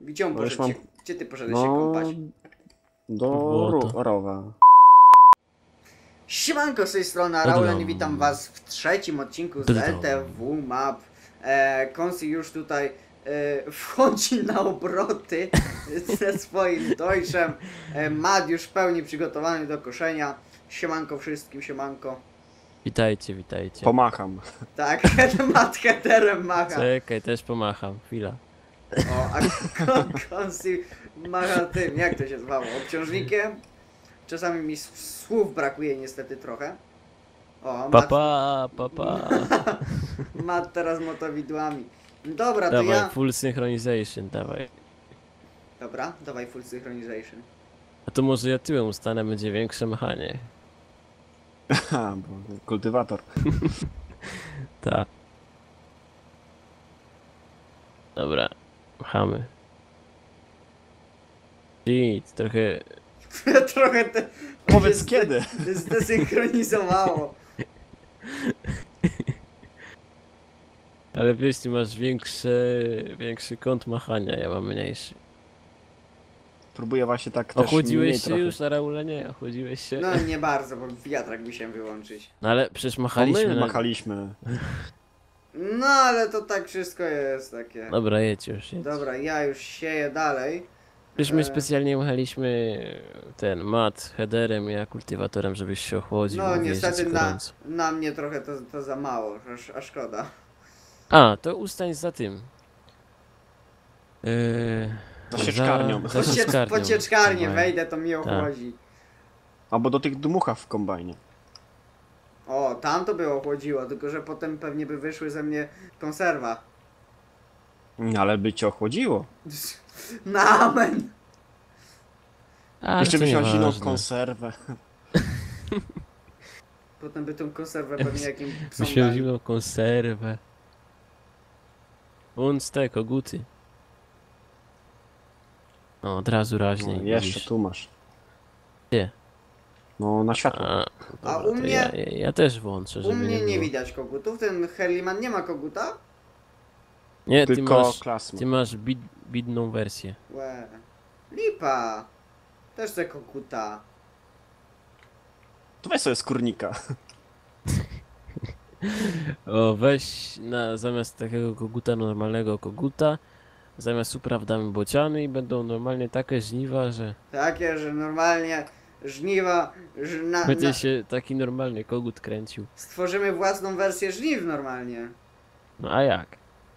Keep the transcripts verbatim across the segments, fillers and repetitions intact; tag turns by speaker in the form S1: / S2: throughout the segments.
S1: Gdzie on
S2: No już
S1: poszedł
S2: mam-
S1: się, gdzie ty poszedłeś
S2: No,
S1: się kąpać?
S2: do
S3: Błoto.
S2: ro rowa.
S1: Siemanko, z tej strony
S3: Odlam.
S1: Raulen i witam was w trzecim odcinku z
S3: Odlam.
S1: L T W Map. E, Konsi już tutaj e, wchodzi na obroty ze swoim Deutschem. E, Mad już w pełni przygotowany do koszenia. Siemanko wszystkim, siemanko.
S3: Witajcie, witajcie.
S2: Pomacham.
S1: Tak, Mad headerem macha.
S3: Czekaj, też pomacham, chwila.
S1: O, a Kon- Konsi macha tym, jak to się zwało? Obciążnikiem? Czasami mi s- słów brakuje niestety trochę. O, Mat,
S3: Papa, papa.
S1: Mat teraz motowidłami. Dobra, to
S3: Dawaj,
S1: ja...
S3: full synchronization, dawaj.
S1: Dobra, dawaj full synchronization.
S3: A to może ja tyłem ustanę, będzie większe machanie.
S2: Ha, bo kultywator.
S3: Tak. Dobra, machamy. Shit, trochę...
S1: Trochę te...
S2: Powiedz
S1: się
S2: kiedy.
S1: zde- Zdesynchronizowało.
S3: Ale wiesz, ty masz większy, większy kąt machania, ja mam mniejszy.
S2: Próbuję właśnie tak też mniej
S3: Ochłodziłeś się
S2: trochę.
S3: już na Raule? Nie, ochłodziłeś się?
S1: No nie bardzo, bo wiatrak musiałem wyłączyć.
S3: No ale przecież
S2: No
S3: machaliśmy
S2: my
S3: na...
S2: machaliśmy.
S1: No ale to tak wszystko jest takie.
S3: Dobra, jedź już, jedź.
S1: Dobra, ja już sieję dalej.
S3: Przecież my
S1: E,
S3: specjalnie machaliśmy ten mat headerem, ja kultywatorem, żebyś się ochłodził.
S1: No
S3: bo wiesz,
S1: niestety
S3: jest
S1: na,
S3: gorąco.
S1: na mnie trochę to, to za mało, a, a szkoda.
S3: A, to ustań za tym. Yy,
S2: Za sieczkarnią.
S3: Za, za
S1: Pociecz,
S3: sieczkarnią.
S1: pocieczkarnię
S3: Dawaj.
S1: wejdę, to mi
S3: Tak.
S1: ochłodzi.
S2: Albo do tych dmucha w kombajnie.
S1: O, tam to by ochłodziło, tylko że potem pewnie by wyszły ze mnie konserwa.
S2: Nie, ale by cię ochłodziło.
S1: Na amen!
S3: A,
S2: Jeszcze
S3: to
S2: byś miał zimną
S3: nieważne.
S2: konserwę.
S1: Potem by tą konserwę pewnie jakim psom
S3: Byś miał
S1: dali.
S3: zimną konserwę. Włącz te koguty. O, od razu raźniej.
S2: No, jeszcze
S3: widzisz.
S2: tu masz.
S3: Gdzie?
S2: No na światło.
S3: A,
S1: A
S3: dobra,
S1: u
S3: to
S1: mnie-
S3: Ja, ja, ja też włączę, żeby
S1: U mnie nie
S3: było.
S1: widać kogutów, ten Herliman nie ma koguta?
S3: Nie, ty
S2: Tylko
S3: masz,
S2: klasma.
S3: ty masz bid, bidną wersję.
S1: Łe. Lipa! Też te koguta.
S2: To weź sobie skórnika.
S3: O, weź na, zamiast takiego koguta normalnego koguta, zamiast upraw damy bociany i będą normalnie takie żniwa, że
S1: Takie, że normalnie żniwa, że na,
S3: będzie
S1: na,
S3: się taki normalny kogut kręcił.
S1: stworzymy własną wersję żniw normalnie.
S3: No a jak?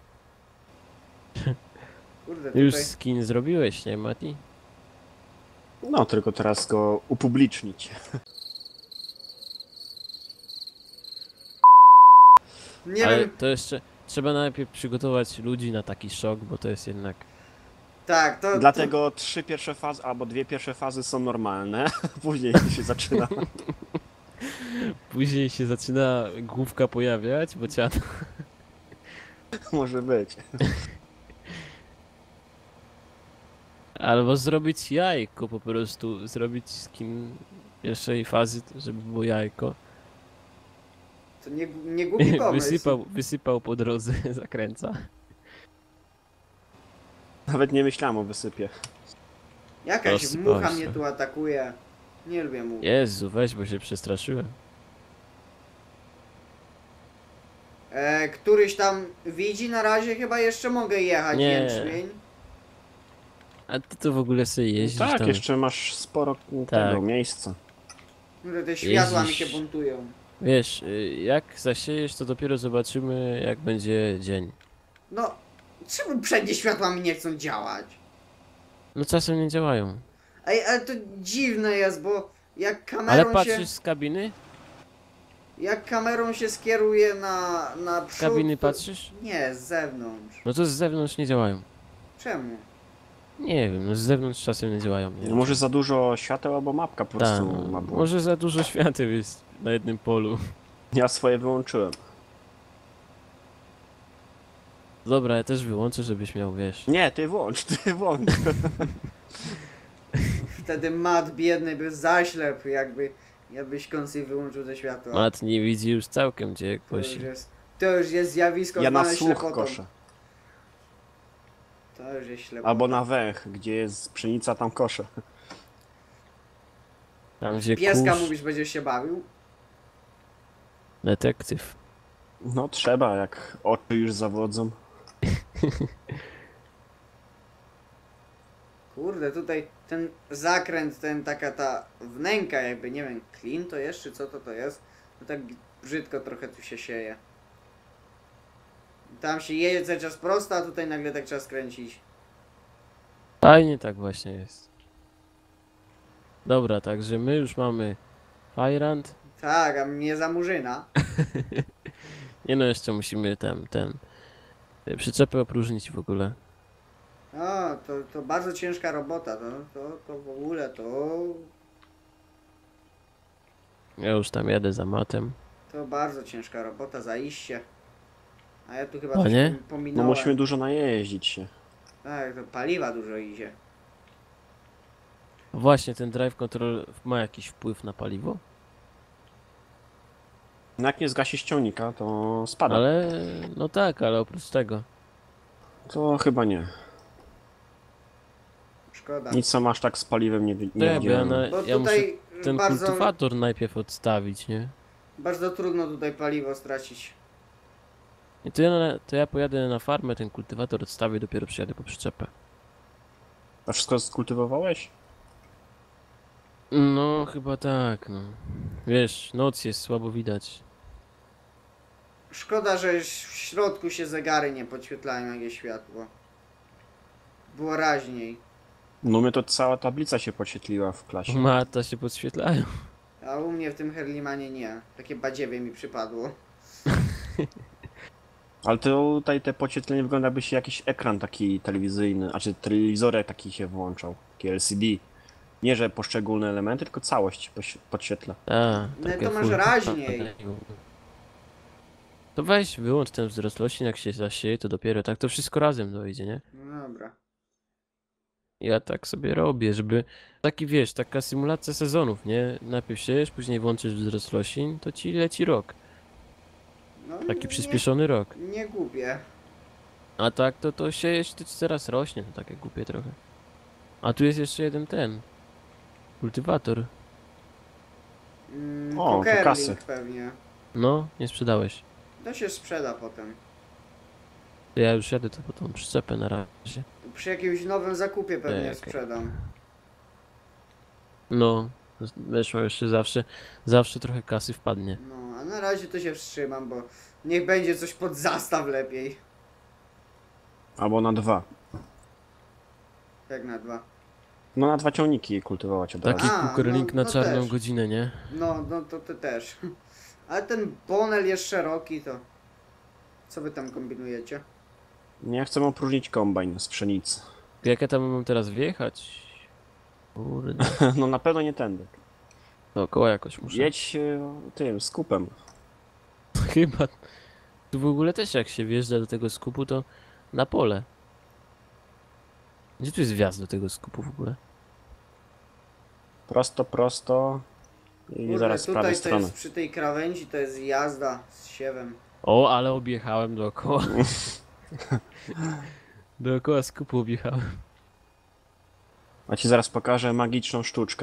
S1: Kurde, tutaj...
S3: Już skin zrobiłeś, nie Mati?
S2: No, tylko teraz go upublicznić.
S1: Nie
S3: Ale
S1: wiem,
S3: to jeszcze trzeba najpierw przygotować ludzi na taki szok, bo to jest jednak...
S1: tak, to...
S2: Dlatego trzy pierwsze fazy, albo dwie pierwsze fazy są normalne. Później się zaczyna.
S3: Później się zaczyna główka pojawiać, bociana.
S2: Może być.
S3: Albo zrobić jajko po prostu, zrobić skin pierwszej fazy, żeby było jajko.
S1: To nie, nie głupi pomysł.
S3: Wysypał, wysypał po drodze, zakręca.
S2: Nawet nie myślałem o wysypie.
S1: Jakaś
S3: Rozsypał
S1: mucha
S3: się.
S1: mnie tu atakuje. Nie lubię much.
S3: Jezu, weź, bo się przestraszyłem.
S1: E, któryś tam widzi na razie, chyba jeszcze mogę jechać
S3: Nie.
S1: jęczmień.
S3: A ty to w ogóle sobie jeździsz
S2: tak,
S3: tam?
S2: jeszcze masz sporo tego
S3: Tak.
S2: miejsca.
S1: Kurde, te światła mi
S3: Jeździsz.
S1: się buntują.
S3: Wiesz, y, jak zasiejesz, to dopiero zobaczymy, jak będzie dzień.
S1: No, czemu przednie światła mi nie chcą działać?
S3: No czasem nie działają.
S1: Ej, ale to dziwne jest, bo jak
S3: Ale
S1: kamerą
S3: patrzysz
S1: się...
S3: z kabiny?
S1: Jak kamerą się skieruje na, na przód...
S3: Z kabiny
S1: to-
S3: patrzysz?
S1: Nie, z zewnątrz.
S3: No to z zewnątrz nie działają.
S1: Czemu?
S3: Nie wiem, no z zewnątrz czasem nie działają. Nie
S2: No może za dużo świateł, albo mapka po
S3: Tak,
S2: prostu
S3: no,
S2: ma błąd.
S3: może za dużo świateł jest na jednym polu.
S2: Ja swoje wyłączyłem.
S3: Dobra, ja też wyłączę, żebyś miał, wiesz.
S2: Nie, ty włącz, ty włącz.
S1: Wtedy mat biedny by zaślepł, jakby... Jakbyś Konsi wyłączył te światła.
S3: Mat nie widzi już całkiem, gdzie
S1: To już
S3: kosi.
S1: jest, to już jest zjawisko
S2: Ja na
S1: zwane
S2: słuch
S1: ślepotą.
S2: koszę.
S1: To już jest ślepota.
S2: Albo na węch, gdzie jest pszenica, tam kosze.
S3: Tam gdzie
S1: Pieska
S3: kurz,
S1: mówisz, będziesz się bawił?
S3: detektyw.
S2: No trzeba, jak oczy już zawodzą.
S1: Kurde, tutaj ten zakręt, ten taka ta wnęka jakby, nie wiem, klin to jest, czy co to to jest? No tak brzydko trochę tu się sieje. Tam się jedzie cały czas prosto, a tutaj nagle tak trzeba skręcić.
S3: Fajnie tak właśnie jest. Dobra, także my już mamy Fajrant.
S1: Tak, a mnie za murzyna.
S3: Nie no, jeszcze musimy ten, ten y, przyczepę opróżnić w ogóle.
S1: No, to, to bardzo ciężka robota, to, to, to w ogóle to,
S3: Ja już tam jadę za matem.
S1: to bardzo ciężka robota, zaiście. A ja tu chyba
S3: O
S1: coś
S3: nie?
S1: pom-
S2: No
S1: pominąłem.
S2: musimy dużo najeździć się.
S1: Tak, to paliwa dużo idzie.
S3: Właśnie ten drive control ma jakiś wpływ na paliwo?
S2: No jak nie zgasi ściągnika, to spada.
S3: Ale no tak, ale oprócz tego.
S2: To chyba nie.
S1: Szkoda.
S2: Nic sam aż tak z paliwem nie, wi-
S3: Nie,
S2: nie
S3: bo ja,
S2: widziałem.
S3: na,
S1: Bo
S3: ja muszę
S1: tutaj
S3: ten
S1: bardzo,
S3: kultywator najpierw odstawić, nie?
S1: bardzo trudno tutaj paliwo stracić.
S3: I to ja, na, to ja pojadę na farmę, ten kultywator odstawię, dopiero przyjadę po przyczepę.
S2: A wszystko skultywowałeś?
S3: No, chyba tak, no. Wiesz, noc jest, słabo widać.
S1: Szkoda, że w środku się zegary nie podświetlają jak jest światło. Było raźniej.
S2: No mnie to cała tablica się podświetliła w klasie.
S3: Mata się podświetlają.
S1: A u mnie w tym Herlimanie nie. Takie badziewie mi przypadło.
S2: Ale to tutaj te podświetlenie wygląda, jakby się jakiś ekran taki telewizyjny, a czy telewizorek taki się włączał, taki L C D. Nie, że poszczególne elementy, tylko całość poś- podświetla.
S3: A,
S1: No
S3: takie
S1: to masz
S3: full-
S1: raźniej.
S3: To weź, wyłącz ten wzrost roślin, jak się zasieje, to dopiero tak to wszystko razem dojdzie, nie?
S1: No dobra.
S3: Ja tak sobie robię, żeby... Taki wiesz, taka symulacja sezonów, nie? Najpierw siejesz, później włączysz wzrost roślin, to ci leci rok.
S1: No,
S3: Taki
S1: nie,
S3: przyspieszony rok.
S1: nie głupie.
S3: A tak to to siejesz, to ci teraz rośnie, to takie głupie trochę. A tu jest jeszcze jeden ten. Kultywator.
S1: Mm,
S2: O, to
S1: Cokerling
S2: kasy.
S1: pewnie.
S3: No, nie sprzedałeś.
S1: To się sprzeda potem.
S3: To ja już jadę to po tą przyczepę na razie.
S1: Przy jakimś nowym zakupie pewnie
S3: Czekaj.
S1: sprzedam.
S3: No, z- weszło jeszcze zawsze, zawsze trochę kasy wpadnie.
S1: No, a na razie to się wstrzymam, bo niech będzie coś pod zastaw lepiej.
S2: Albo na dwa.
S1: Jak na dwa.
S2: No na dwa ciągniki kultywować od
S3: Taki
S2: razu.
S1: A,
S3: kukurling
S1: no-
S3: na
S1: no
S3: czarną
S1: też.
S3: godzinę, nie?
S1: No, no to ty też. Ale ten bonel jest szeroki, to... Co wy tam kombinujecie?
S2: Nie chcę opróżnić kombajn z pszenicy.
S3: Jak ja tam mam teraz wjechać? Kurde,
S2: No na pewno nie tędy.
S3: dookoła jakoś muszę.
S2: Jedź e, tym skupem.
S3: Chyba. Tu w ogóle też jak się wjeżdża do tego skupu, to na pole. Gdzie tu jest wjazd do tego skupu w ogóle?
S2: Prosto, prosto. I
S1: Kurde,
S2: zaraz z
S1: tutaj
S2: prawej
S1: to
S2: strony.
S1: jest przy tej krawędzi, to jest jazda z siewem.
S3: O, ale objechałem dookoła. Dookoła skupu objechałem.
S2: A ci zaraz pokażę magiczną sztuczkę.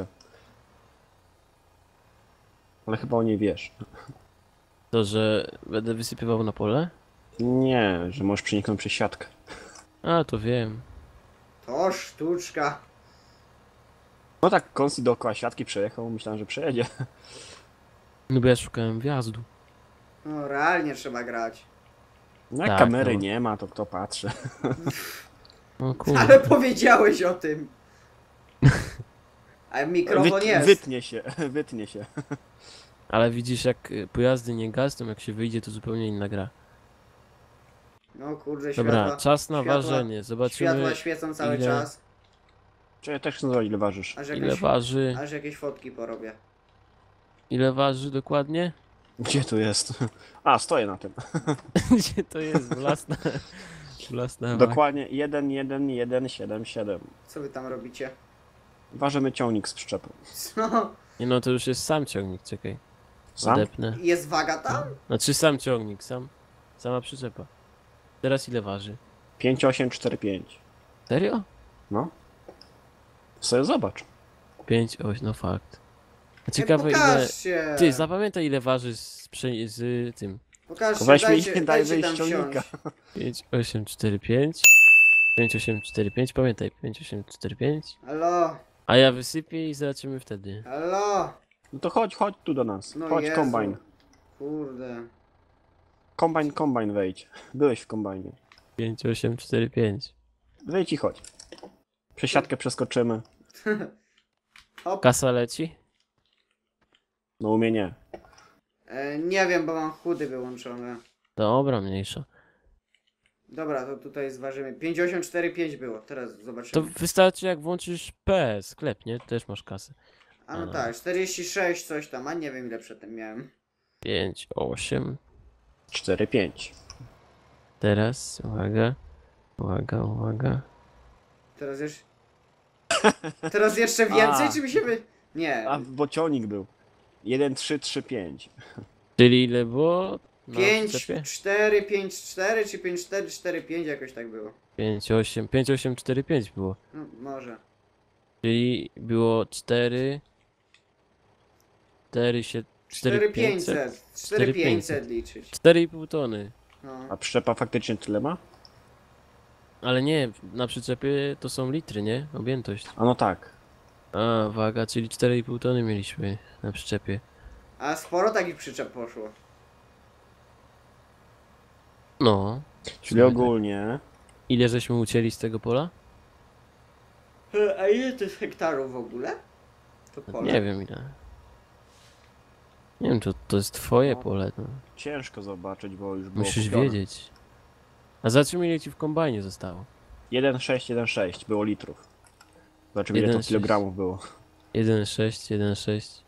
S2: Ale chyba o niej wiesz.
S3: To, że będę wysypywał na pole?
S2: Nie, że możesz przeniknąć przez siatkę.
S3: A, to wiem.
S1: To sztuczka.
S2: No tak, Konsti dookoła siatki przejechał, myślałem, że przejedzie.
S3: No bo ja szukałem wjazdu.
S1: No, realnie trzeba grać.
S2: No jak
S3: Tak,
S2: kamery
S3: no.
S2: nie ma, to kto patrzy.
S3: O kurde.
S1: Ale powiedziałeś o tym. A mikrofon
S2: Wyt,
S1: jest.
S2: wytnie się, wytnie się.
S3: Ale widzisz, jak y, pojazdy nie gasną, jak się wyjdzie, to zupełnie inna gra.
S1: No kurde,
S3: Dobra,
S1: światła.
S3: czas na
S1: światła-
S3: ważenie. Zobaczymy,
S1: Światła świecą cały
S3: ile-
S1: czas.
S2: Czy ja też chcę zobaczyć, ile ważysz.
S1: Aż
S3: ile
S1: jakieś,
S3: waży.
S1: aż jakieś fotki porobię.
S3: Ile waży dokładnie?
S2: Gdzie tu jest? A, stoję na tym.
S3: Gdzie to jest? Własna. Własna.
S2: Dokładnie jeden jeden jeden siedem siedem.
S1: Co wy tam robicie?
S2: Ważymy ciągnik z przyczepą.
S1: Co?
S3: Nie no, to już jest sam ciągnik, czekaj.
S2: Sam?
S3: Odepnę.
S1: Jest waga tam?
S3: Znaczy sam ciągnik, sam. Sama przyczepa. Teraz ile waży?
S2: pięć osiem cztery pięć.
S3: Serio?
S2: No. Sobie zobacz.
S3: pięć, osiem, no fakt. A
S1: Nie,
S3: ciekawe ile...
S1: pokażcie!
S3: Ty, zapamiętaj ile waży z, prze- z tym.
S1: Pokażcie,
S2: Weź mi
S1: dajcie,
S2: daj
S1: dajcie
S2: wyjść
S1: tam
S2: ściągnika.
S1: wsiąść.
S3: pięć, osiem, cztery, pięć. pięć, osiem, cztery, pięć, pamiętaj. pięć, osiem, cztery, pięć.
S1: Halo,
S3: A ja wysypię i zobaczymy wtedy.
S1: halo.
S2: No to chodź, chodź tu do nas.
S1: No
S2: Chodź,
S1: Jezu.
S2: kombajn.
S1: Kurde.
S2: Kombajn, kombajn wejdź. Byłeś w kombajnie.
S3: pięć, osiem, cztery, pięć.
S2: Wejdź i chodź. Przesiadkę przeskoczymy.
S1: Hop.
S3: Kasa leci?
S2: No u mnie nie.
S1: E, nie wiem, bo mam chudy wyłączone.
S3: Dobra, mniejsza.
S1: Dobra, to tutaj zważymy. pięć osiem cztery pięć było, teraz
S3: To
S1: zobaczymy.
S3: wystarczy jak włączysz P, sklep, nie? Też masz kasę.
S1: A no tak, czterdzieści sześć coś tam, a nie wiem ile przedtem miałem.
S3: pięć, osiem.
S2: cztery pięć.
S3: Teraz, uwaga. Uwaga, uwaga.
S1: Teraz jeszcze... Teraz jeszcze więcej,
S2: A.
S1: czy mi się wy... Nie.
S2: A bocionik był. jeden trzy trzy pięć.
S3: Czyli ile było? Na
S1: pięć
S3: przyczepie?
S1: cztery pięć cztery czy pięć cztery cztery pięć jakoś tak było.
S3: pięć, osiem, pięć, osiem, cztery, pięć było.
S1: No, może.
S3: Czyli było cztery. cztery, się,
S1: cztery pięćset. cztery pięćset liczyć.
S3: cztery i pół tony.
S1: No.
S2: A przyczepa faktycznie tyle ma?
S3: Ale nie, na przyczepie to są litry, nie? Objętość.
S2: A no tak.
S3: A, waga, czyli cztery i pół tony mieliśmy na przyczepie.
S1: A sporo takich przyczep poszło.
S3: No.
S2: Czyli ogólnie...
S3: Ile żeśmy ucięli z tego pola?
S1: E, A ile to jest hektarów w ogóle? To pole.
S3: Nie wiem ile. Nie wiem, to, to jest twoje
S2: No.
S3: pole. No.
S2: Ciężko zobaczyć, bo już było
S3: Musisz
S2: kupione.
S3: wiedzieć. A zobaczymy ile ci w kombajnie zostało.
S2: jeden sześć jeden sześć było litrów. Zobaczymy ile
S3: jeden
S2: to
S3: sześć.
S2: kilogramów było.
S3: jeden sześć, jeden sześć.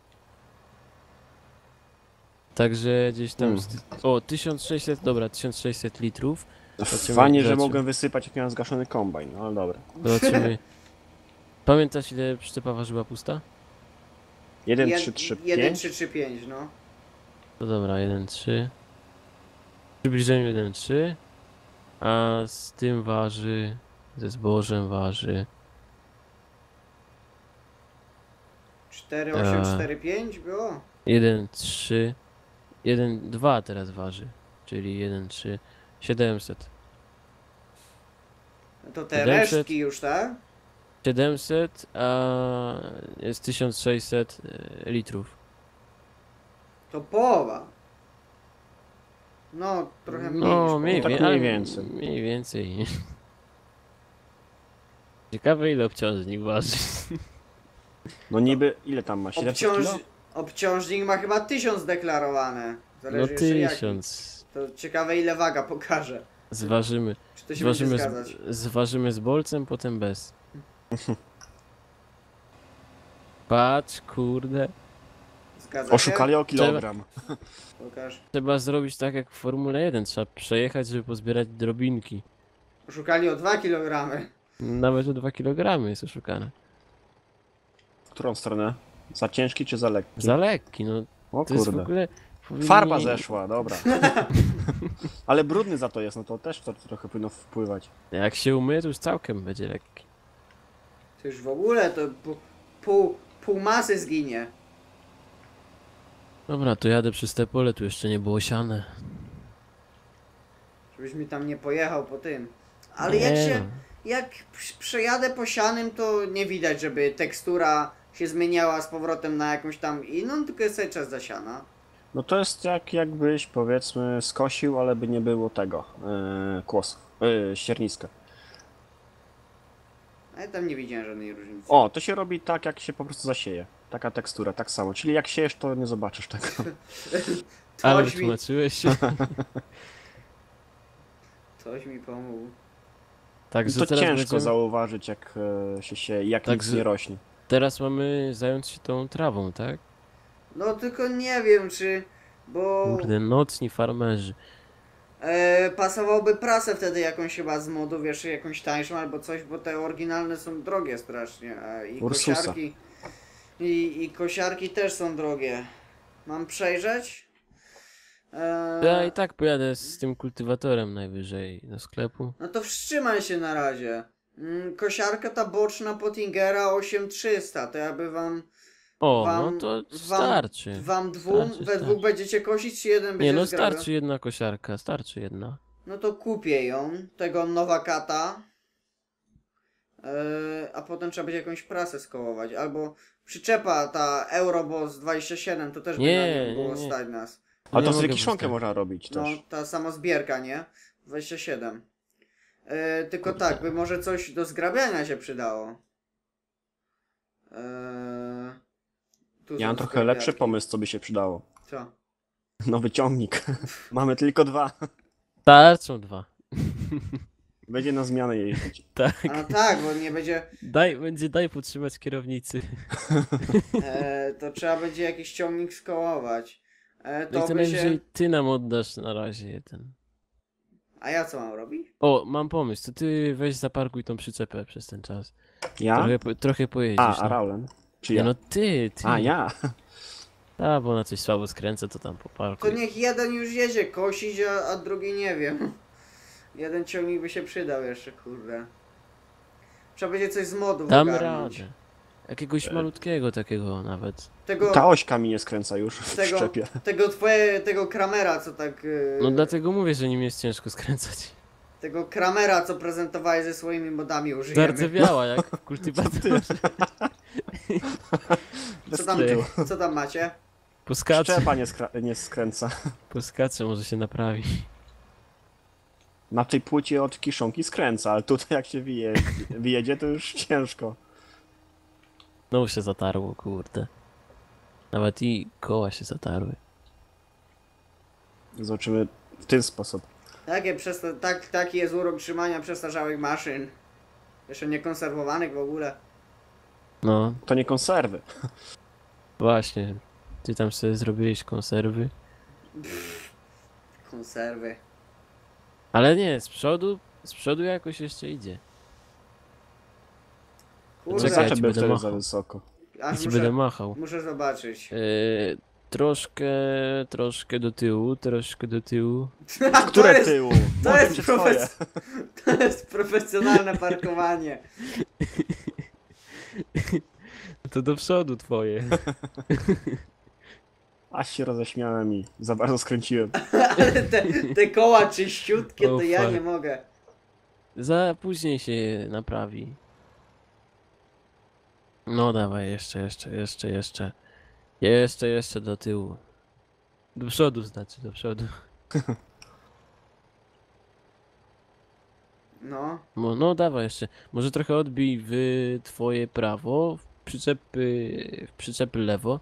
S3: Także gdzieś tam...
S2: Mm.
S3: z- O, tysiąc sześćset, dobra, tysiąc sześćset litrów. Zobaczymy-
S2: Fajnie, że
S3: zobaczymy.
S2: mogłem wysypać jak miałem zgaszony kombajn, no ale dobra.
S3: Zobaczymy. Pamiętasz ile przyczepa ważyła pusta?
S2: jeden
S1: Jed-
S2: trzy trzy
S1: jeden
S2: pięć.
S1: trzy trzy pięć, no.
S3: To dobra, jeden trzy. W przybliżeniu jeden trzy. A z tym waży... Ze zbożem waży...
S1: cztery osiem cztery pięć było?
S3: jeden trzy. jeden dwa teraz waży. Czyli jeden trzy. siedemset.
S1: No to te
S3: siedemset.
S1: resztki już, tak?
S3: siedemset, a jest tysiąc sześćset e, litrów.
S1: To połowa. No, trochę mniej
S3: No,
S1: niż
S3: mniej,
S2: tak
S1: połowa.
S3: wie-
S2: mniej
S3: ale
S2: więcej.
S3: Mniej więcej. Ciekawe ile obciążnik waży.
S2: No niby, ile tam ma? siedemset
S1: Obciąż...
S2: kilo?
S1: Obciążnik ma chyba tysiąc deklarowane.
S3: No
S1: Zależy jeszcze jaki.
S3: tysiąc.
S1: To ciekawe ile waga pokaże.
S3: Zważymy.
S1: Czy to się będzie
S3: Zważymy
S1: zgadzać?
S3: z, zważymy z bolcem, potem bez. Patrz, kurde.
S1: Zgadza
S2: Oszukali
S1: się?
S2: o kilogram.
S1: Pokaż.
S3: Trzeba zrobić tak jak w Formule jeden. Trzeba przejechać, żeby pozbierać drobinki.
S1: Oszukali o dwa kilogramy.
S3: Nawet o dwa kilogramy jest oszukane.
S2: W którą stronę? Za ciężki czy za lekki?
S3: Za lekki, no.
S2: O
S3: To jest w
S2: kurde.
S3: ogóle... powinni-
S2: Farba zeszła, dobra. Ale brudny za to jest, no to też to trochę powinno wpływać.
S3: Jak się umyje, to już całkiem będzie lekki.
S1: To już w ogóle to pół, pół, pół masy zginie.
S3: Dobra, to jadę przez te pole, tu jeszcze nie było siane.
S1: Żebyś mi tam nie pojechał po tym. Ale
S3: Nie
S1: jak się...
S3: no.
S1: Jak przy- przejadę po sianym, to nie widać, żeby tekstura się zmieniała z powrotem na jakąś tam inną, tylko jest cały czas zasiana.
S2: No to jest jak jakbyś powiedzmy skosił, ale by nie było tego yy, kłosów, yy, ścierniska.
S1: A ja tam nie widziałem żadnej różnicy.
S2: O, to się robi tak jak się po prostu zasieje. Taka tekstura, tak samo. Czyli jak siejesz, to nie zobaczysz tego.
S3: Ale
S1: Coś mi,
S3: wytłumaczyłeś się.
S1: coś mi pomógł.
S3: Także
S2: To
S3: teraz
S2: ciężko
S3: będziemy...
S2: zauważyć jak e, się sieje i jak
S3: Tak,
S2: nic
S3: że-
S2: nie rośnie.
S3: Teraz mamy zająć się tą trawą, tak?
S1: No tylko nie wiem, czy... Bo
S3: Kurde, nocni farmerzy.
S1: e, pasowałoby prasę wtedy jakąś chyba z modu, wiesz, jakąś tańszą albo coś, bo te oryginalne są drogie strasznie. A i
S2: Ursusa.
S1: kosiarki... I, I kosiarki też są drogie. Mam przejrzeć? E,
S3: Ja i tak pojadę z tym kultywatorem najwyżej do sklepu.
S1: No to wstrzymaj się na razie. Mm, kosiarka ta boczna Pottingera osiem trzysta, to ja by wam...
S3: O,
S1: wam,
S3: no to
S1: wam,
S3: starczy.
S1: Wam dwóm,
S3: Starczy,
S1: we dwóch
S3: starczy.
S1: będziecie kosić, czy jeden będzie
S3: Nie no,
S1: zgrabiał?
S3: starczy jedna kosiarka, starczy jedna.
S1: No to kupię ją, tego Nowakata. Yy, a potem trzeba będzie jakąś prasę skołować, albo przyczepa ta Euroboss dwadzieścia siedem, to też by
S3: Nie,
S1: na nią było
S3: nie, nie.
S1: stać nas.
S2: A
S3: Nie
S2: to z
S3: mogę
S2: kiszonkę
S3: postawić.
S2: można robić
S1: No,
S2: też.
S1: ta samozbierka, nie? dwadzieścia siedem. Yy, tylko
S3: Kurde.
S1: tak, by może coś do zgrabiania się przydało. Yy, tu
S2: Ja
S1: są
S2: mam trochę lepszy
S1: zgrabiarki.
S2: pomysł, co by się przydało.
S1: Co?
S2: Nowy ciągnik. Mamy tylko dwa.
S3: Starczą dwa.
S2: Będzie na zmianę jeździć.
S3: Tak.
S1: A no tak, bo nie będzie...
S3: Daj, będzie daj podtrzymać kierownicy.
S1: E, to trzeba będzie jakiś ciągnik skołować. E,
S3: No
S1: to
S3: i to
S1: by
S3: najwyżej
S1: się...
S3: ty nam oddasz na razie jeden.
S1: A ja co mam robić?
S3: O, mam pomysł, to ty weź zaparkuj tą przyczepę przez ten czas.
S2: Ja?
S3: Trochę, po- trochę pojedziesz.
S2: A, a
S3: no.
S2: Raulen? Czy
S3: Nie
S2: ja?
S3: no ty, ty.
S2: A, ja?
S3: A, bo na coś słabo skręcę, to tam
S1: To
S3: poparkuj.
S1: niech jeden już jedzie kosić, a, a drugi nie wiem. Jeden ciągnik by się przydał jeszcze, kurde. Trzeba będzie coś z modów
S3: Dam
S1: ogarnąć.
S3: radę. Jakiegoś malutkiego takiego nawet.
S1: Tego,
S2: Ta ośka mi nie skręca już w
S1: tego,
S2: szczepie.
S1: tego twoje, tego Kramera, co tak... Yy,
S3: No dlatego mówię, że nim jest ciężko skręcać.
S1: Tego Kramera, co prezentowałeś ze swoimi modami, użyjemy.
S3: Zardzewiała jak w kultywatorze.
S1: Co tam,
S3: Ty.
S1: co tam macie?
S3: Poskacze,
S2: Szczepa nie, skra- nie skręca.
S3: poskacze, może się naprawi.
S2: Na tej płycie od kiszonki skręca, ale tutaj jak się wyje- wyjedzie, to już ciężko.
S3: No się zatarło, kurde. Nawet i koła się zatarły.
S2: Zobaczymy w ten sposób.
S1: Takie przesta- tak, taki jest urok trzymania przestarzałych maszyn. Jeszcze nie konserwowanych w ogóle.
S3: No,
S2: To nie konserwy.
S3: właśnie. Ty tam sobie zrobiłeś konserwy.
S1: Konserwy.
S3: Ale nie, z przodu, z przodu jakoś jeszcze idzie.
S1: Kurde,
S3: Czekaj,
S2: Zaczep
S3: ci
S2: był
S3: będę
S2: wtedy
S3: machał.
S2: za wysoko.
S3: Ja
S1: aż
S3: ci będę
S1: muszę,
S3: machał.
S1: muszę zobaczyć.
S3: Yy, troszkę, troszkę do tyłu, troszkę do tyłu.
S1: A
S2: Które
S1: to jest,
S2: tyłu?
S1: to
S2: Może
S1: jest,
S2: się twoje.
S1: profes- to jest profesjonalne parkowanie.
S3: To do przodu twoje.
S2: Aż się roześmiałem i za bardzo skręciłem.
S1: Ale te, te koła czyściutkie, to
S3: Oh,
S1: ja
S3: fuck.
S1: nie mogę.
S3: Za później się naprawi. No dawaj, jeszcze, jeszcze, jeszcze, jeszcze. Jeszcze, jeszcze do tyłu. Do przodu znaczy, do przodu.
S1: No.
S3: No, no dawaj jeszcze. Może trochę odbij w twoje prawo, w przyczepy, w przyczepy lewo.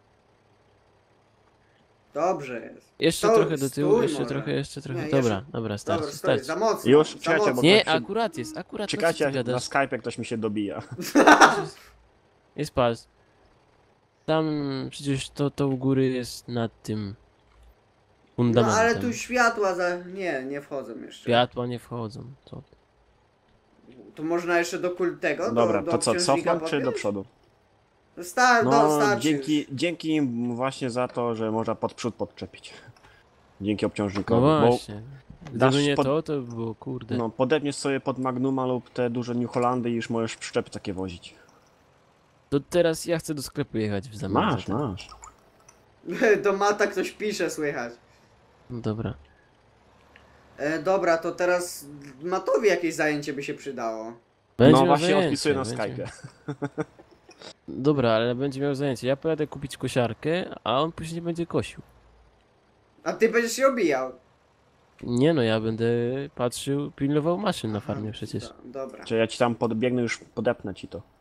S1: Dobrze jest.
S3: Jeszcze
S1: Stój,
S3: trochę do tyłu,
S1: stój
S3: jeszcze
S1: może.
S3: trochę, jeszcze trochę.
S1: Nie,
S3: dobra,
S1: jeszcze-
S3: dobra, starczy,
S1: Dobra, stoi,
S3: starczy.
S1: za mocno.
S2: Już,
S1: za
S2: czekajcie, bo
S1: mocno.
S3: Nie,
S2: tak się-
S3: akurat jest, akurat to, co ty
S2: Czekajcie, na
S3: gadasz.
S2: Skype ktoś mi się dobija.
S3: Jest patrz. Tam przecież to, to u góry jest nad tym
S1: No
S3: fundamentem.
S1: ale tu światła za... Nie, nie wchodzą jeszcze.
S3: Światła nie wchodzą. Co? ty.
S1: Tu można jeszcze do kultego,
S2: Dobra,
S1: do, do
S2: to co,
S1: obciążnika
S2: cofnąć czy do
S1: podpiąć?
S2: przodu?
S1: Star, no,
S2: No,
S1: starczy
S2: dzięki,
S1: już.
S2: dzięki im właśnie za to, że można pod przód podczepić. Dzięki
S3: No
S2: obciążnikowi. Bo
S3: właśnie.
S2: dasz
S3: Gdyby nie
S2: pod-
S3: to, to by było kurde.
S2: no, podepniesz sobie pod Magnuma lub te duże New Hollandy i już możesz przyczepy takie wozić.
S3: To teraz ja chcę do sklepu jechać w zamian
S2: Masz,
S3: za to.
S2: masz.
S1: Do mata ktoś pisze, słychać.
S3: No dobra.
S1: E, dobra, to teraz Matowi jakieś zajęcie by się przydało.
S3: Będzie
S2: No
S3: miał
S2: właśnie
S3: zajęcie,
S2: odpisuję na
S3: będzie-
S2: Skype'ie.
S3: Dobra, ale będzie miał zajęcie. Ja pojadę kupić kosiarkę, a on później będzie kosił.
S1: A ty będziesz się obijał.
S3: Nie no, ja będę patrzył, pilnował maszyn na farmie przecież.
S1: Do, dobra.
S2: Czy ja ci tam podbiegnę, już podepnę ci to.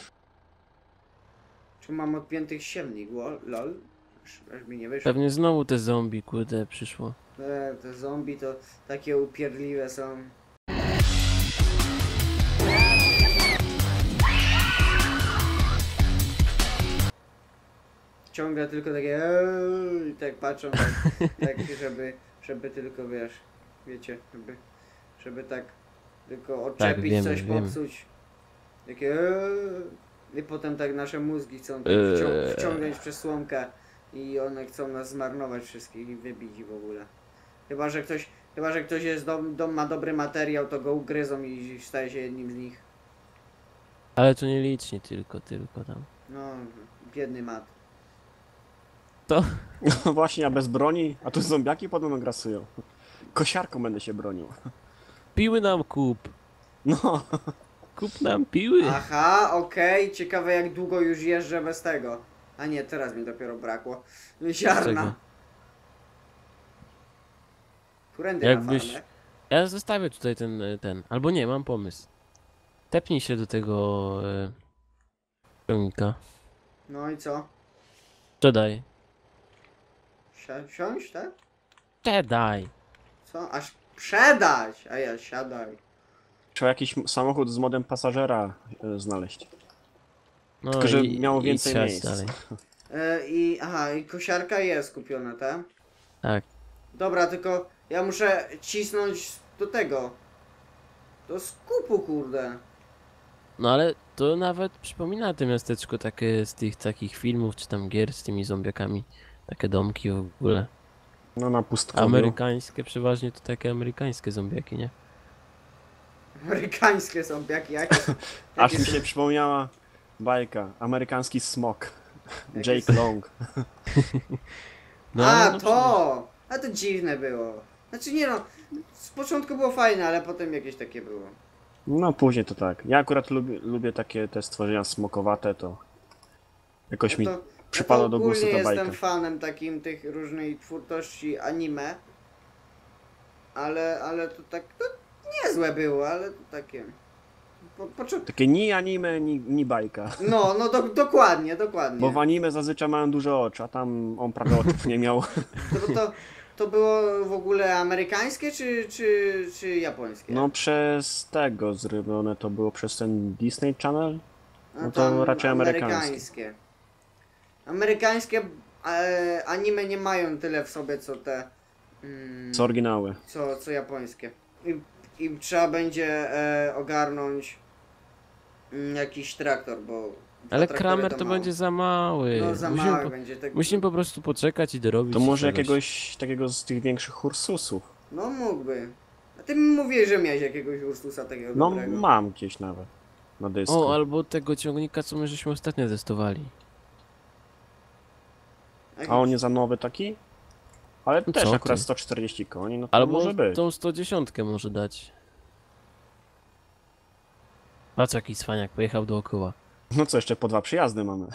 S1: Czy mam odpiętych siewnik? Wo- Lol. Aż, aż mi nie wyszło.
S3: Pewnie znowu te zombie, kurde, przyszło.
S1: E, te zombie to takie upierdliwe są. Ciągle tylko takie eee, i tak patrzą, tak, tak żeby, żeby tylko wiesz, wiecie, żeby, żeby tak tylko odczepić,
S3: wiemy,
S1: coś
S3: wiemy.
S1: popsuć. Takie eee, i potem tak nasze mózgi chcą tak
S3: Eee.
S1: wcią- wciągnąć przez słomkę i one chcą nas zmarnować wszystkich i wybić w ogóle. Chyba, że ktoś Chyba, że ktoś jest dom, dom ma dobry materiał, to go ugryzą i staje się jednym z nich.
S3: Ale to nie licznie tylko, tylko tam.
S1: No, biedny mat.
S3: To?
S2: No właśnie, a bez broni, a tu zombiaki podobno grasują. Kosiarką będę się bronił.
S3: Piły nam kup!
S2: No,
S3: Kup nam piły!
S1: Aha, okej, ciekawe jak długo już jeżdżę bez tego. A nie, teraz mi dopiero brakło. Ziarna.
S3: czego?
S1: Którędy
S3: Jakbyś-
S1: na farmę?
S3: Ja zostawię tutaj ten, e, ten. Albo nie, mam pomysł. Tepnij się do tego... E, ciągnika.
S1: No i co?
S3: Sprzedaj.
S1: Si- siąść, tak?
S3: Sprzedaj!
S1: Co? Aż sprzedać! A ja siadaj.
S2: trzeba jakiś m- samochód z modem pasażera e, znaleźć.
S3: No
S2: Tylko, że
S3: i-
S2: miało
S3: i
S2: więcej
S3: siadź
S2: miejsc.
S3: dalej.
S1: E, I aha, i kosiarka jest kupiona, tak?
S3: Tak.
S1: Dobra, tylko ja muszę cisnąć do tego. Do skupu, kurde.
S3: No ale to nawet przypomina to miasteczko takie z tych takich filmów, czy tam gier z tymi zombiakami. Takie domki w ogóle.
S2: No na pustkowiu.
S3: Amerykańskie, przeważnie to takie amerykańskie zombiaki, nie?
S1: Amerykańskie są jakie, jakie,
S2: Aż
S1: jakie
S2: mi
S1: są-
S2: się przypomniała bajka. Amerykański smok.
S1: Jakie
S2: Jake Long.
S3: No,
S1: A,
S3: ale no
S1: to! A to dziwne było. Znaczy nie no, z początku było fajne, ale potem jakieś takie było.
S2: No później to tak. Ja akurat lubię, lubię takie te stworzenia smokowate, to jakoś mi
S1: No to,
S2: przypada
S1: ja to
S2: do gustu
S1: ogólnie
S2: ta
S1: jestem
S2: bajka.
S1: fanem takim tych różnej twórczości anime. Ale, ale to tak, to niezłe było, ale to takie... Po, poczu...
S2: Takie ni anime, ni, ni bajka.
S1: No, no do, dokładnie, dokładnie.
S2: Bo w anime zazwyczaj mają duże oczy, a tam on prawie oczów nie miał.
S1: To, to, to było w ogóle amerykańskie czy, czy, czy japońskie?
S2: No przez tego zrobione to było przez ten Disney Channel.
S1: No
S2: no to
S1: tam
S2: raczej amerykańskie.
S1: amerykańskie. Amerykańskie e, anime nie mają tyle w sobie co te... Mm,
S2: Co oryginały.
S1: co, co japońskie. I, i trzeba będzie e, ogarnąć mm, jakiś traktor, bo... dwa
S3: Ale
S1: traktory
S3: Kramer to
S1: mało.
S3: będzie za mały.
S1: No za
S3: musimy,
S1: mały
S3: po,
S1: będzie. Tak...
S3: musimy po prostu poczekać i dorobić
S2: To może
S3: czegoś.
S2: jakiegoś takiego z tych większych Ursusów.
S1: No mógłby. A ty mi mówiłeś, że miałeś jakiegoś Ursusa takiego
S2: No
S1: dobrego.
S2: mam gdzieś nawet. Na dysku.
S3: O, albo tego ciągnika, co my żeśmy ostatnio testowali.
S2: A on nie za nowy taki? Ale
S3: No
S2: też
S3: co
S2: akurat
S3: ty?
S2: sto czterdzieści koni, no to
S3: Albo
S2: może być.
S3: tą sto dziesięć może dać. Patrz jaki cwaniak, pojechał dookoła.
S2: No co, jeszcze po dwa przyjazdy mamy.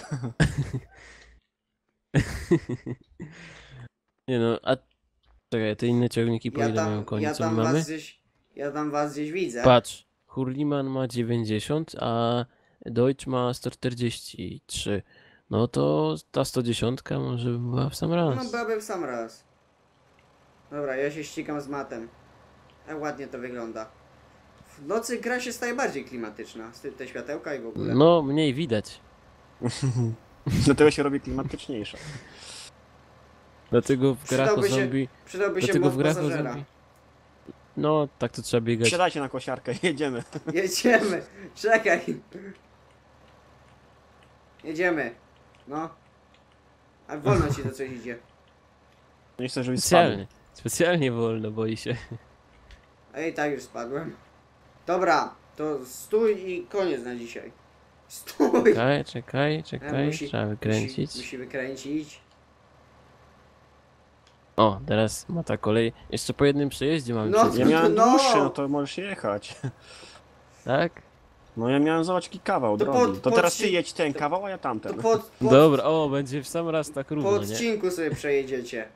S3: Nie no, a... Czekaj, te inne ciągniki po
S1: Ja
S3: ile mają
S1: tam,
S3: koni,
S1: ja
S3: co my
S1: tam
S3: mamy?
S1: was gdzieś, ja tam was gdzieś widzę.
S3: Patrz, Hurliman ma dziewięćdziesiąt, a Deutsch ma sto czterdzieści trzy. No to ta sto dziesięć może by była w sam raz.
S1: No byłaby w sam raz. Dobra, ja się ścigam z matem. Jak ładnie to wygląda. W nocy gra się staje bardziej klimatyczna. z ty- Te światełka i w ogóle.
S3: No, mniej widać.
S2: Dlatego się robi klimatyczniejsza.
S3: Dlatego w grach o
S1: Przydałby się-
S3: zombie...
S1: Przydałby się
S3: Dlatego
S1: mod
S3: w grach o
S1: pasażera.
S3: zombie... No, tak to trzeba biegać.
S2: Siadajcie na kosiarkę, jedziemy.
S1: Jedziemy. Czekaj. Jedziemy. No. A wolno ci to coś idzie.
S2: Nie chcę, żebyś spadł.
S3: Specjalnie. Specjalnie wolno, boi się.
S1: A i tak już spadłem. Dobra, to stój i koniec na dzisiaj. Stój!
S3: Czekaj, czekaj, czekaj,
S1: musi-
S3: trzeba wykręcić.
S1: Musi, musi wykręcić.
S3: O, teraz ma ta kolej. Jeszcze po jednym przejeździe mamy
S1: No.
S3: przejść.
S2: Ja miałem
S1: No.
S2: dłuższy, no to możesz jechać.
S3: Tak?
S2: No ja miałem zobacz jaki kawał
S1: To
S2: drogi.
S1: pod-
S2: to
S1: pod
S2: teraz
S1: si-
S2: ty jedź ten
S1: to-
S2: kawał, a ja
S1: To
S2: tamten.
S1: pod, pod,
S3: Dobra, o, będzie w sam raz tak
S1: po
S3: równo, nie?
S1: odcinku sobie przejedziecie.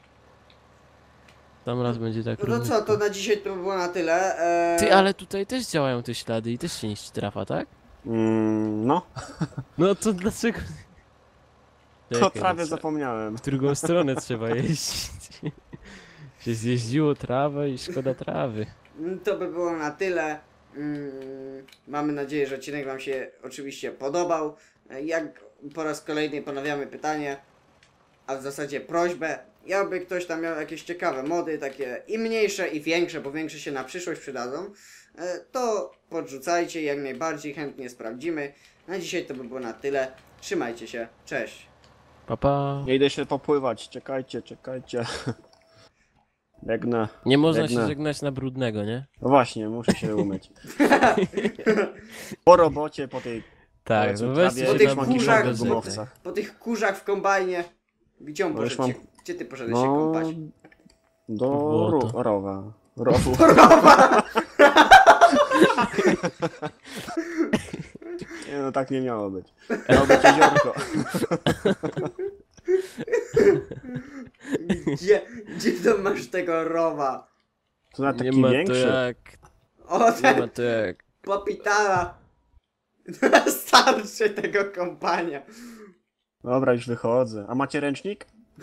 S3: W sam raz będzie tak
S1: No
S3: równo.
S1: to co, to na dzisiaj to by było na tyle. Eee,
S3: Ty, ale tutaj też działają te ślady i też się niszczy trafa, tak?
S2: Mm, no,
S3: No to dlaczego...
S2: to
S3: Czekaj,
S2: prawie
S3: trzeba-
S2: zapomniałem.
S3: W drugą stronę trzeba jeździć. Się zjeździło trawę i szkoda trawy.
S1: Mm, To by było na tyle. Mm, Mamy nadzieję, że odcinek Wam się oczywiście podobał. E, Jak po raz kolejny ponawiamy pytanie, a w zasadzie prośbę. Jakby ktoś tam miał jakieś ciekawe mody, takie i mniejsze, i większe, bo większe się na przyszłość przydadzą, e, to podrzucajcie, jak najbardziej chętnie sprawdzimy. Na dzisiaj to by było na tyle. Trzymajcie się, cześć.
S3: Pa, pa.
S2: Ja idę się popływać, czekajcie, czekajcie. Jak na...
S3: Nie można
S2: Jak
S3: się
S2: na-
S3: żegnać na brudnego, nie?
S2: No właśnie, muszę się umyć. Po robocie, po tej...
S3: Tak,
S2: powiedzmy,
S3: no weźcie
S2: trawie,
S1: Po
S3: się
S1: tych
S3: na
S2: szmanki
S1: kurzach,
S3: brudnego
S2: w
S1: po,
S3: żegnać.
S2: gumowcach.
S1: po tych kurzach w kombajnie. Gdzie on
S2: Bo już
S1: poszedł
S2: mam-
S1: się, gdzie ty poszedłeś się
S2: No...
S1: kąpać?
S2: Do
S3: Błoto.
S2: ro... rowa. Rowu. Nie no, tak nie miało być. Miało być jeziorko.
S1: Gdzie, gdzie to masz tego rowa?
S2: To na
S3: Nie
S2: taki
S3: ma to
S2: większy.
S3: jak...
S1: O,
S3: Nie ma
S1: ten
S3: to jak...
S1: popitala. Starszy tego kompania.
S2: Dobra, już wychodzę. A macie ręcznik?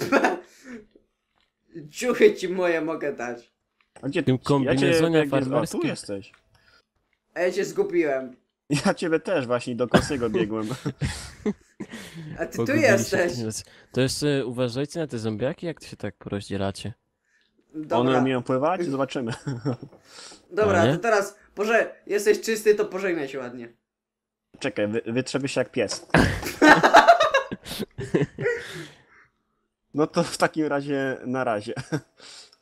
S1: Ciuchy ci moje mogę dać.
S2: A gdzie
S3: W tym kombinezonie
S2: jak jest- A, tu
S3: farmerskim?
S2: jesteś.
S1: A ja cię zgubiłem.
S2: Ja ciebie też właśnie do Kosego biegłem.
S1: A ty tu
S3: Pogubiliście
S1: jesteś.
S3: w tym czasie. To jeszcze uważajcie na te zombiaki, jak to się tak porozdzielacie.
S2: One
S1: Dobra,
S2: umieją pływać? Zobaczymy.
S1: dobra,
S3: A nie?
S1: to teraz, Boże, jesteś czysty, to pożegnaj się ładnie.
S2: Czekaj, wy, wytrzeby się jak pies. No to w takim razie na razie.